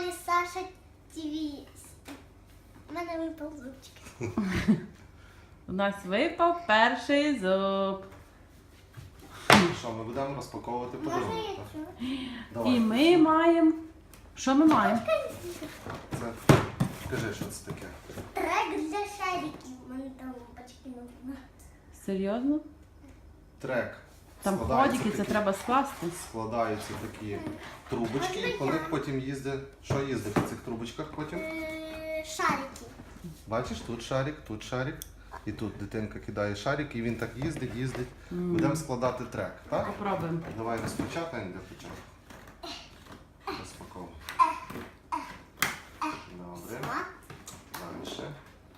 каналі Саша ТВ. У мене випав зубчик. У нас випав перший зуб. Що, ми будемо розпаковувати Можна подарунок? я так? цю? Давай. І ми маємо. Що ми маємо? Це... Скажи, що це таке? Трек для шариків. У мене там лампочки нужно. Серйозно? Трек. Там Складаються ходики, це такі- треба скласти. Складаються такі трубочки, і по них потім їздить. Що їздить по цих трубочках потім? Шарики. Бачиш, тут шарик. І тут дитинка кидає шарик, і він так їздить. Будемо складати трек, так? Попробуємо. Давай розпочатаємо для початку. Розпаковуємо. Добре. Далі.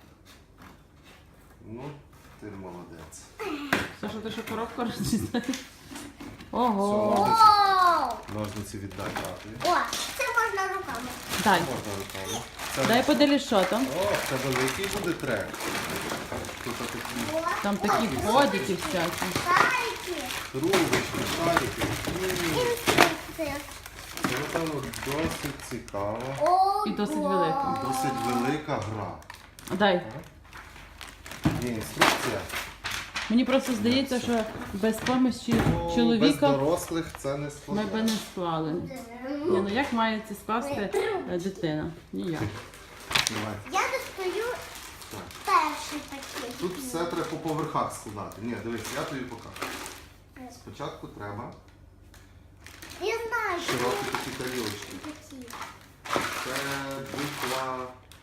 Ну, ти молодець. Саша, ти що коробку розчистаєш? Ого. О! Ножниці віддай татові. О, це можна руками. Дай. Можна руками. Це... Дай подивись, що там. О, це великий буде трек. Тут такі Там такі ходики всякі. Шарики. трубочки, шарики. Інструкція. Це, напевно, досить цікаво. О, І досить да. велика. Досить велика гра. Дай. Є інструкція. Мені просто здається, що без допомоги Без чоловіка дорослих це не ми складно. би не склали. Ні, ну як має це скласти дитина? Ніяк. Давай. Я достаю Так. перший пакет. Тут все треба по поверхах складати. Ні, дивись, я тобі покажу. Спочатку треба Я знаю, що широкі такі тарілочки. такі. Це буква.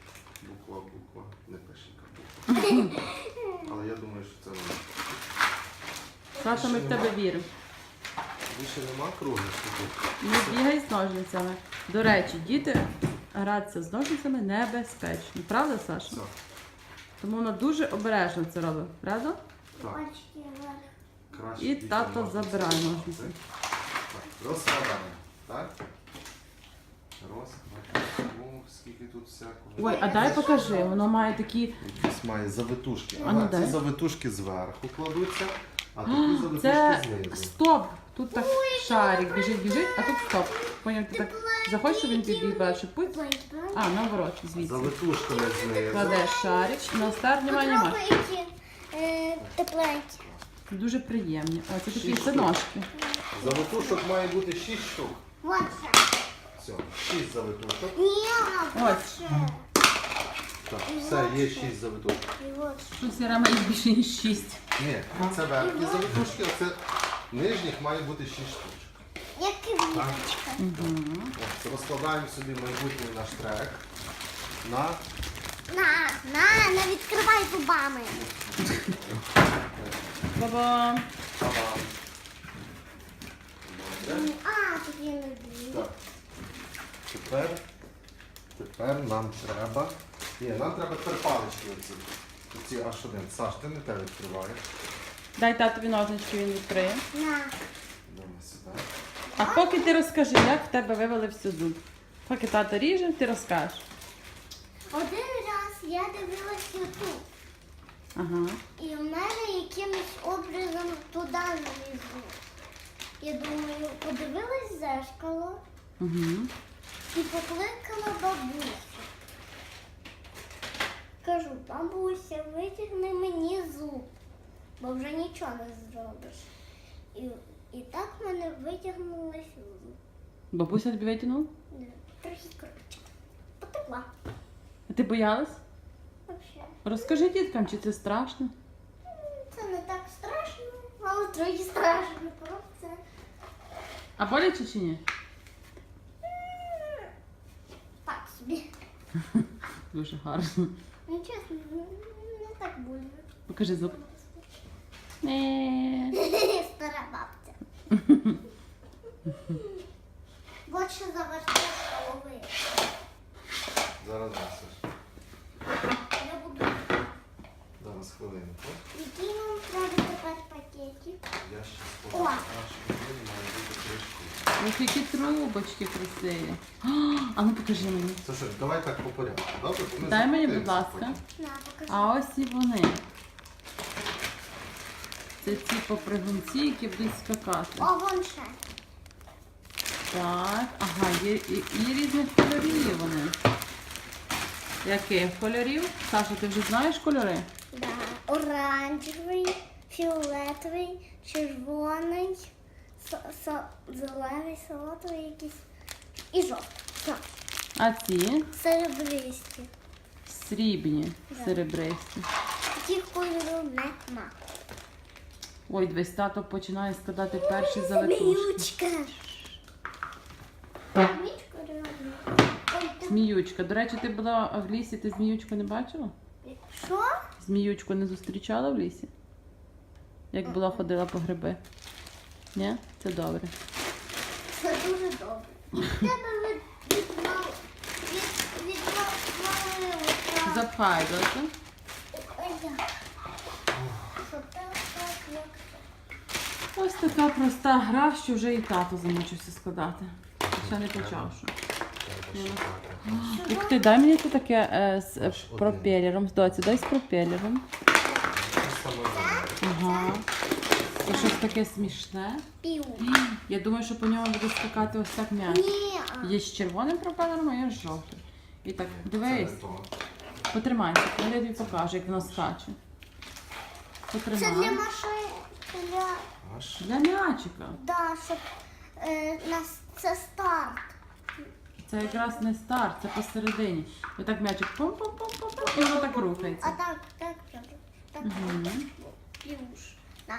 Не пишіть буква. Але я думаю, що це вона. Саша, ми в тебе віримо. Більше нема круглих штук. Не бігай з ножницями. До речі, діти гратися з ножницями небезпечно. Правда, Саша? Все. Тому вона дуже обережно це робить. Правда? Так. Пальчики вверх. Краще І дітям тато ножниці. забирає ножниці. Так, розкладаємо. Так? Розкладаємо. О, скільки тут всякого. Ой, а дай покажи, воно має такі. Якісь має завитушки. А ну Ага, дай. ці завитушки зверху кладуться, а такі завитушки Це знизу. стоп! Тут так шарик біжить, а тут стоп. Поняв, ти так захочеш, щоб він підбіг перший путь. А, наоборот, звідси. Завитушками знизу. Кладеш шарик, на старт немає нема. Попробуйте тепленькі. Дуже приємні. О, це такі 6 це штук. ножки. Завитушок має бути 6 штук. Вот це. Все, 6 завитушок. Ні, Ось. вот це. Так, все, є 6 завитушок. І от. Щось я рама їх більше ніж 6. Ні, це верхні завитушки, а це нижніх має бути 6 штучок. Як квіточка. От, розкладаємо собі майбутній наш трек на Не відкривай зубами. Баба. таван. Добре. А, тут є нові. Так. Тепер нам треба. Ні, нам треба тепер палички оці. Оці аж один. Саш, ти не те відкриваєш. Дай татові ножнички, він відкриє. На. Давай сюди. А поки ти розкажи, як в тебе вивалився зуб. Поки тато ріже, ти розкажеш. Один раз я дивилась YouTube. Ага. І в мене якимось образом туди налізло. Я думаю, подивилась в зеркало Угу. і покликала бабусю. Кажу, бабуся, витягни мені зуб, бо вже нічого не зробиш. І так в мене витягнулася зуб. Бабуся тобі витягнула? Трохи коротше. Потекла. А ти боялась? Взагалі. Розкажи діткам, чи це страшно? Це не так страшно, але трохи страшно. Просто це. А боляче чи ні? Так собі. Дуже гарно. Ну чесно, не так больно. Покажи зуб. Стара бабця. Вот що заважає голови. Зараз Саш. Я буду. Зараз хвилинку. Який нам треба тепер пакетик? Я ще О! складу. Наш один має бути 3 штуки. Ось які трубочки красиві. А ну покажи мені. Слушай, давай так по порядку. Добре? Бо ми Дай мені, заплутаємося будь ласка. потім. На, покажи. А ось і вони. Це ці попригунці, які будуть скакати. О, вон ще. Так, ага, є і різних кольорів вони. Яких кольорів? Саша, ти вже знаєш кольори? Да. Оранжевий, фіолетовий, червоний, зелений, салатовий якийсь і жовтий. Так. А ці Серебристі. срібні, Да. серебристі. Таких кольорів нема. Ой, дивись, тато починає складати перші завитушки. Зміючка. Зміючка реально. Ой, ти- Зміючка. До речі, ти була в лісі, ти зміючку не бачила? Що? Зміючку не зустрічала в лісі? Як була ходила по гриби? Ні? Це добре. Це дуже добре. Тебе відвалилося. Запхай, доця. Ось така проста гра, що вже і тато замучився складати. Ще не почав. Що. Ух ти, дай мені тут таке з пропелером. Доця, дай з пропелером. Ага. Це щось таке смішне. Пів. Я думаю, що по ньому буде скакати ось так м'яч. Ні. Є з червоним пропелером, а є з жовтим. І так, дивись, потримайся, я тобі покажу, як воно скаче. Це для Потримай. машини. Для... Для м'ячика. Да, щоб нас це старт. Це якраз не старт, це посередині. І так м'ячик пум-пум-пум-пум, і воно так А рухається. так, так, так. Так. Мгм. Плюш. На.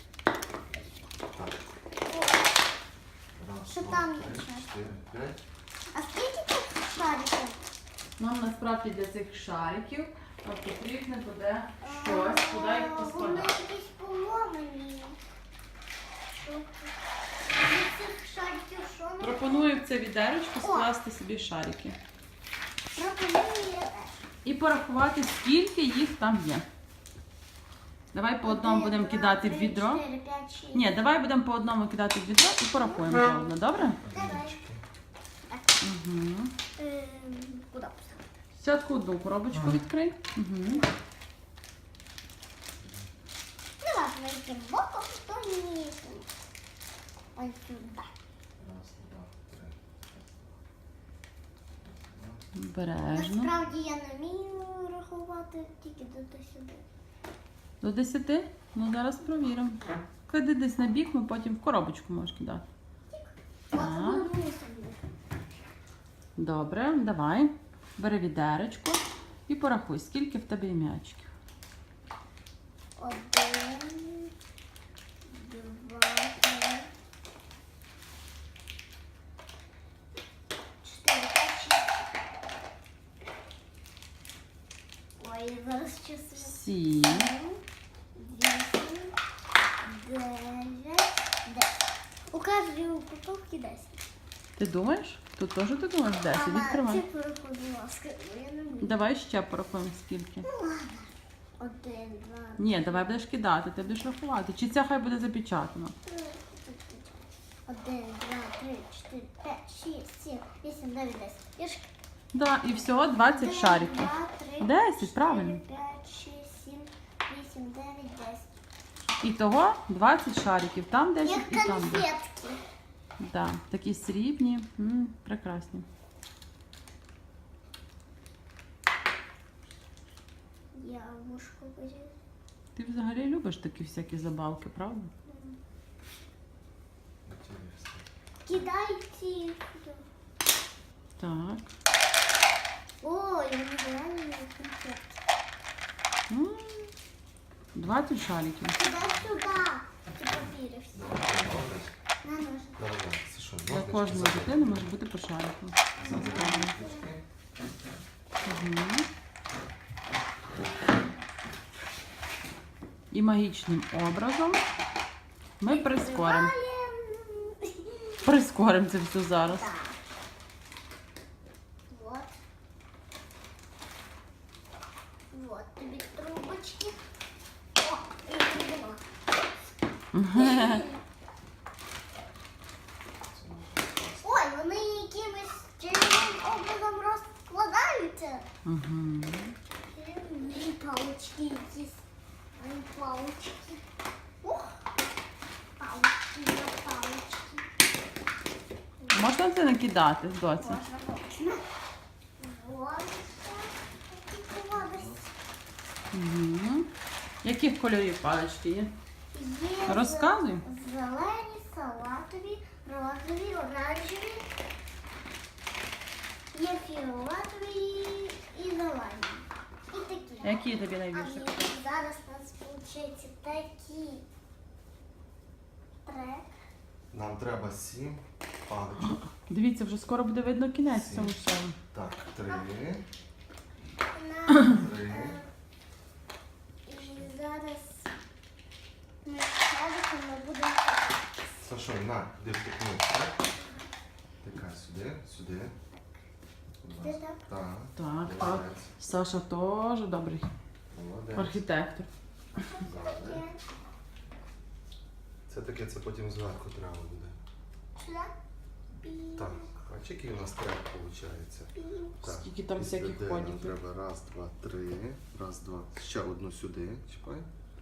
Що там є ще? А скільки тут шариків? Нам насправді для цих шариків потрібно буде щось, куди їх Вони поскладати. якісь поломані. Що тут? З цих шариків що не Пропоную в це відерочку скласти собі шарики. пропонує? І порахувати, скільки їх там є. Давай по одному будемо кидати в відро. 4, 5, 6. Ні, давай будемо по одному кидати в відро і порахуємо заодно, добре? Давай. Угу. Куди поставити? Спочатку одну коробочку відкрий. Угу. Не важно, яким боком, то ні. Ось сюди. Обережно. Насправді я не вмію рахувати тільки до сюди. До 10? Ну зараз провіримо. Клади десь на бік, ми потім в коробочку можеш кидати. Так. Добре, давай. Бери відеречко і порахуй, скільки в тебе є м'ячиків. 1, 2, 3, 4, 5, 6. Ой, я зараз чувствую. 7, 8, 9, 10. У кожній упаковці 10. Ти думаєш? Тут теж ти думаєш 10? Відкривай. Цифру, будь ласка, бо я не вмію. Давай ще порахуємо скільки. 1, 2, Ні, давай будеш кидати, ти будеш рахувати. Чи це хай буде запечатано? 1, 2, 3, 4, 5, 6, 7, 8, 9, 10. Я ж... Да, і всього 20 шариків. 2, 3, 10, 4, правильно. 5, 6, 7, 8, 9, 10. Ітого 20 шариків. Там 10 Як і там 10. конфетки. Да, такі срібні. Прекрасні. Я вушку беру. Ти взагалі любиш такі всякі забавки, правда? Кидай ці. Так. Ой, вони реально конфетки. 20 шариків. Кидай сюди. Ці папіри всі. На ножик. Для кожної дитини може бути по шарику. Мгм. І магічним образом ми прискоримо. Прискоримо це все зараз. Так. Вот. Вот тобі трубочки. О, я придумала. Ой, вони якимось чарівним образом розкладаються. Мгм. І палочки якісь. Ой, палочки. Ух. Палочки, да, палочки. можна це накидати, доця? Можна. Ложечка. Угу. Яких кольорів палички є? Є Розказуй. зелені, салатові, розові, оранжеві. Є фіолетові і зелені. І такі. Які тобі А найбільше і подобаються? зараз у нас виходить такі трек. Нам треба 7 паличок. Дивіться, вже скоро буде видно кінець Сім. цьому шоу. Так, 3. На 3. і зараз ми садимо, ми будемо. Сашо, на, де втикнути, так? Тикай сюди, сюди. Будь Сюди, ласка. так? Так. Так, так. Молодець. Саша теж добрий Молодець. архітектор. Зараз. Це таке, це потім зверху треба буде. Сюди. Пі- Так, бачиш, який у нас трек виходить? пі- Так. Скільки там Після всяких Д ходів. нам треба раз, два, три. Раз, два. Ще одну сюди. Чіпай.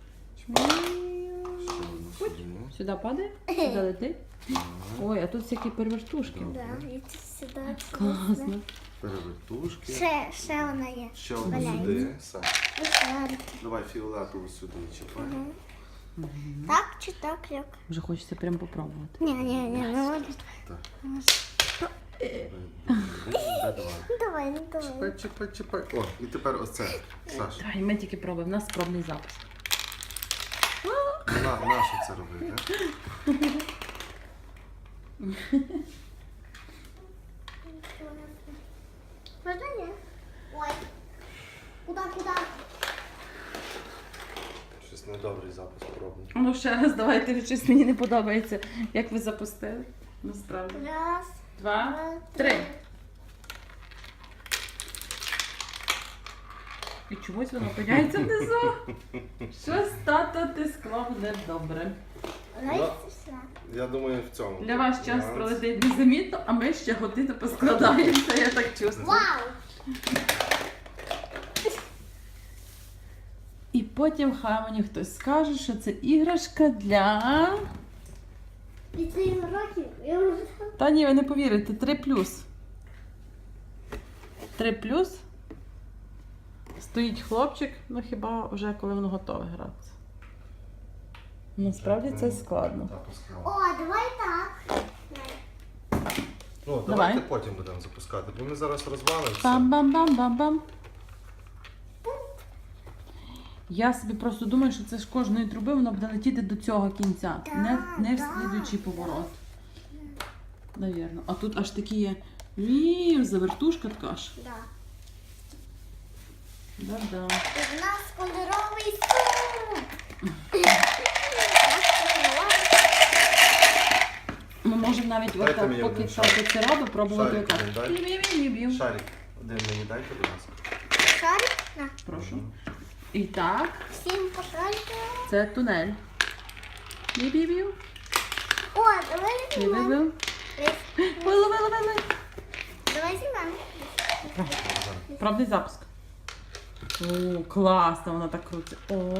Ще одну сюди. Сюди падає? Сюди летить? Так. Ой, а тут всякі перевертушки. Да, і це сюди. Класно. Перевертушки. Ще вона є. Ще одну Валяється. сюди. Саш, Ось давай фіолетову сюди чіпай. так чи так, як? Вже хочеться прям попробувати. Ні, не можна. Так. Е. Д2. Давай, ну давай. Чіпай, чіпай, чіпай. О, і тепер оце. Саш, Давай, ми тільки пробуємо. У нас пробний запис. нащо це робити? Можна ні? Ой. Куда? Щось недобрий запис пробний. Ну ще раз, давайте, щось мені не подобається. Як ви запустили? Насправді. Раз, 2, два, 3. І чомусь воно опиняється внизу. Щось тато ти склав недобре. Давай все. Я думаю, в цьому. Для вас час нюанс. пролетить незамітно, а ми ще годину поскладаємося, я так чувствую. Вау! І потім хай мені хтось скаже, що це іграшка для... Від 7 років я вже Та ні, ви не повірите, 3+. 3+. Стоїть хлопчик, ну хіба вже коли воно готове гратися. Насправді це складно. Так, поскладно. О, давай так. Ну, Давай. давайте потім будемо запускати, бо ми зараз розвалимося. Бам-бам-бам-бам-бам. Я собі просто думаю, що це ж кожної труби воно буде летіти до цього кінця. Не в слідуючий поворот. Навірно. А тут аж такі є. Завертушка така ж. Да. Да-да. І в нас кольоровий суп. Ми можемо навіть Дайте отак, мені поки один тато шарик. це робить, пробувати Шарик отак. один дай. Бів-бів-бів-бів. Шарик, один мені дайте, будь ласка. Шарик? На. Прошу. І так, Всім покажете. це тунель. Бів-бів-бів. О, давай знімемо. Бів-бів-бів. Вили. Давай знімемо. Пробний запуск. О, класно, вона так крутить.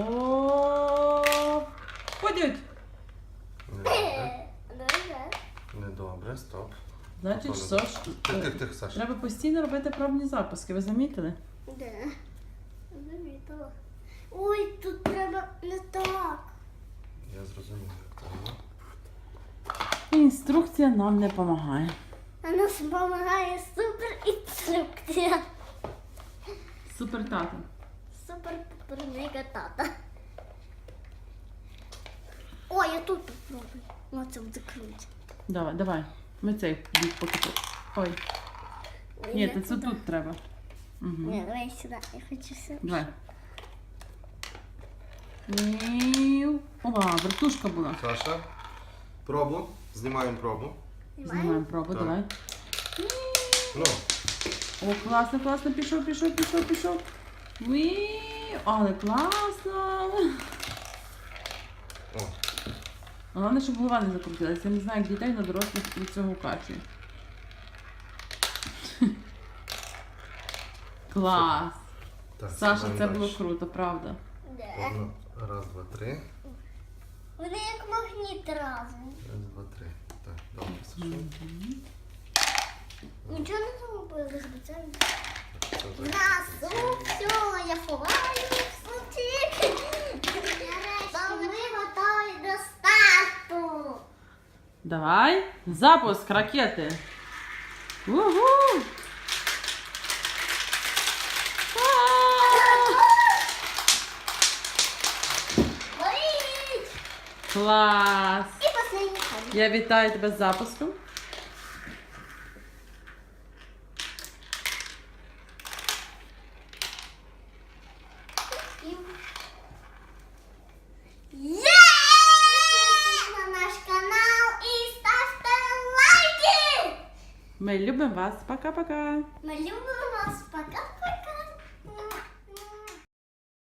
О, ходять. Недобре. Давай. Недобре, стоп. Значить, Готово. що ж, Тих, Саша. треба постійно робити пробні запуски, ви замітили? Де? Замітила. Ой, тут треба не так. Я зрозумів, як треба. Інструкція нам не допомагає. А нас допомагає супер інструкція. Супер тато. Супер мега тата. Ой, я тут попробую. Оце буде круто. Давай. Ми цей бік поки тут. Ой, Ой, ні, я це туди. тут треба. Угу. Ні, давай сюди. Я хочу сюди. Давай. Ова, вертушка була. Саша, пробу. Знімаємо пробу. Знімаємо пробу, Так. давай. Ну, О, класно, пішов. Але класно. о, Головне, щоб голова не закрутилася. Я не знаю, як дітей на дорослих від цього качує. Клас. так. Саша, знімаємо це далі. було круто, правда. Де? Одну. Раз, два, три. Вони як магніт разом. Раз, два, три. Так, добре, Саша. без спеціально. Нас все, я ховаю сутік. Бо ми готові до старту. Давай. Запуск ракети. Угу. Горіть! Клас. І останній ходить. Я вітаю тебе з запуском. Є! Підписуйтесь на наш канал і ставте лайки! Ми любимо вас. Пока-пока. Ми любимо вас. Пока.